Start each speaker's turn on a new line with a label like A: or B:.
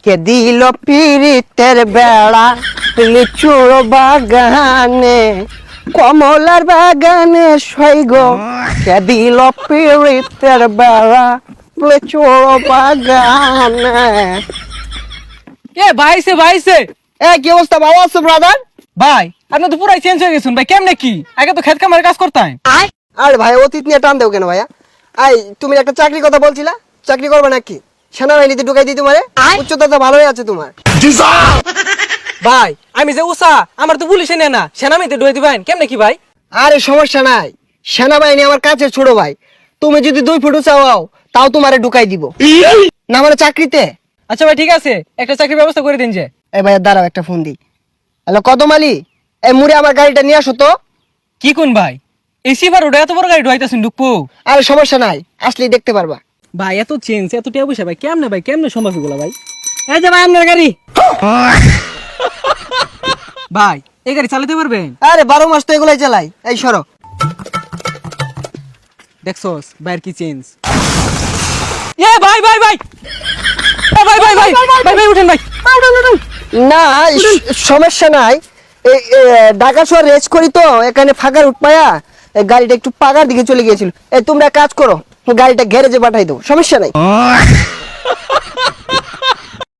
A: কে দিল পিরিতের বেড়া লিচুর বাগানে কমলার বাগানে সৈগ কে দিল পিরিতের বেড়া লিচুর বাগানে।
B: ভাইছে
A: কি অবস্থা, ভালো আছো ব্রাদার?
B: ভাই আপনি তো পুরাই চেঞ্জ হয়ে গেছেন ভাই, কেমনে কি? আগে তো খেত কামারে কাজ করতাম।
A: আরে ভাই অতীত নিয়ে টান দেও কেন ভাইয়া? তুমি একটা চাকরির কথা বলছিলা, চাকরি করবে নাকি? সেনাবাহিনীতে ঢুকাই দিই তোমারে? উচ্চতা তো ভালোই আছে তোমার।
B: ভাই আমি যে উষা, আমার তো পুলিশে নেয় না, সেনামিতে ডুয়ে দিবেন কেমনে কি ভাই?
A: আরে সমস্যা নাই, সেনাবাহিনী আমার কাছে ছোট ভাই। তুমি যদি 2 ফুট চাও তাও তোমারে ঢুকাই দিব না, মানে চাকরিতে।
B: আচ্ছা ভাই ঠিক আছে, একটা চাকরির ব্যবস্থা করে দিন যে।
A: এই ভাইয়া দাঁড়াও, একটা ফোন দিই। হ্যালো কদম আলী, এই মুড়ে আমার গাড়িটা নিয়ে আসো তো।
B: কি কোন ভাই, এসি বার ওটা এত বড় গাড়ি ঢুকাইতেছেন ঢুকবো?
A: আরে সমস্যা নাই, আসলেই দেখতে পারবা।
B: ভাই এত চেঞ্জ এত টিয়া পয়সা ভাই কেমনে সম্ভব এগুলো ভাই? এই যে ভাই আপনার গাড়ি। ভাই এই গাড়ি চালাতে পারবেন?
A: আরে 12 মাস তো এগুলাই চালাই। এই সরো।
B: দেখছস ভাইয়ের কি চেঞ্জ। এ ভাই ভাই ভাই এ ভাই ভাই ভাই ভাই ভাই উঠেন ভাই, উঠেন।
A: না সমস্যা নাই, ঢাকা শহর রেস করি তো, এখানে ফাঁকার উঠপায়া গাড়িটা একটু পাগার দিকে চলে গিয়েছিল। তোমরা কাজ করো, গাড়িটা গ্যারেজে পাঠাই দাও, সমস্যা নাই।